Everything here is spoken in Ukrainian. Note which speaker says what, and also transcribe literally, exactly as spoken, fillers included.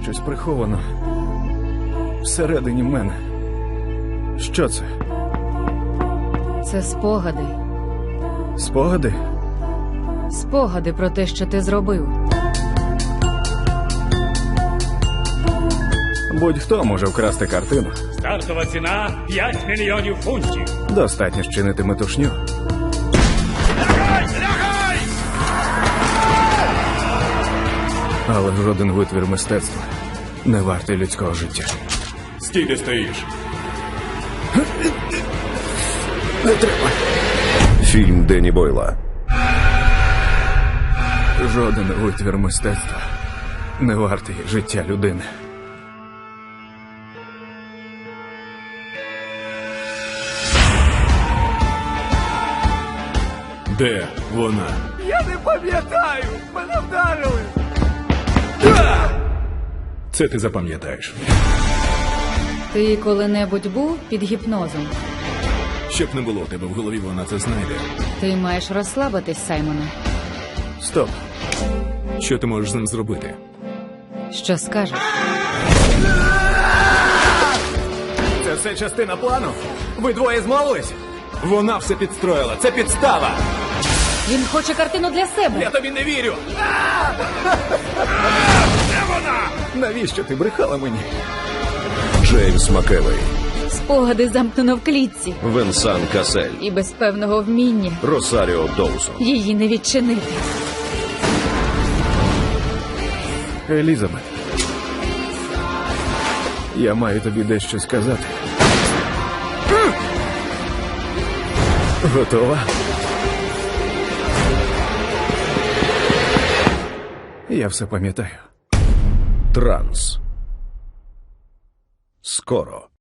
Speaker 1: щось приховано всередині мене. Що це?
Speaker 2: Це спогади.
Speaker 1: Спогади?
Speaker 2: Спогади про те, що ти зробив.
Speaker 1: Будь-хто може вкрасти картину.
Speaker 3: Стартова ціна п'ять мільйонів фунтів.
Speaker 1: Достатньо щинити метушню. Але жоден витвір мистецтва не вартий людського життя.
Speaker 3: Стій, де стоїш.
Speaker 1: Не треба.
Speaker 4: Фільм Денні Бойла.
Speaker 1: Жоден витвір мистецтва не вартий життя людини.
Speaker 3: Де вона?
Speaker 1: Я не пам'ятаю! Мене вдарили!
Speaker 3: Це ти запам'ятаєш.
Speaker 2: Ти коли-небудь був під гіпнозом?
Speaker 3: Щоб не було в тебе в голові, вона це знайде.
Speaker 2: Ти маєш розслабитись, Саймоне.
Speaker 1: Стоп.
Speaker 3: Що ти можеш з ним зробити?
Speaker 2: Що скажеш?
Speaker 1: Це все частина плану? Ви двоє змовились?
Speaker 3: Вона все підстроїла. Це підстава.
Speaker 2: Він хоче картину для себе.
Speaker 1: Я тобі не вірю!
Speaker 3: Де вона?
Speaker 1: Навіщо ти брехала мені?
Speaker 4: Джеймс Макевей.
Speaker 2: Спогади замкнено в клітці.
Speaker 4: Венсан Касель.
Speaker 2: І без певного вміння
Speaker 4: Росаріо Доусон.
Speaker 2: її не відчинити.
Speaker 1: Елізабет. Я маю тобі дещо сказати. Готова? Я все пам'ятаю.
Speaker 4: Транс. Скоро.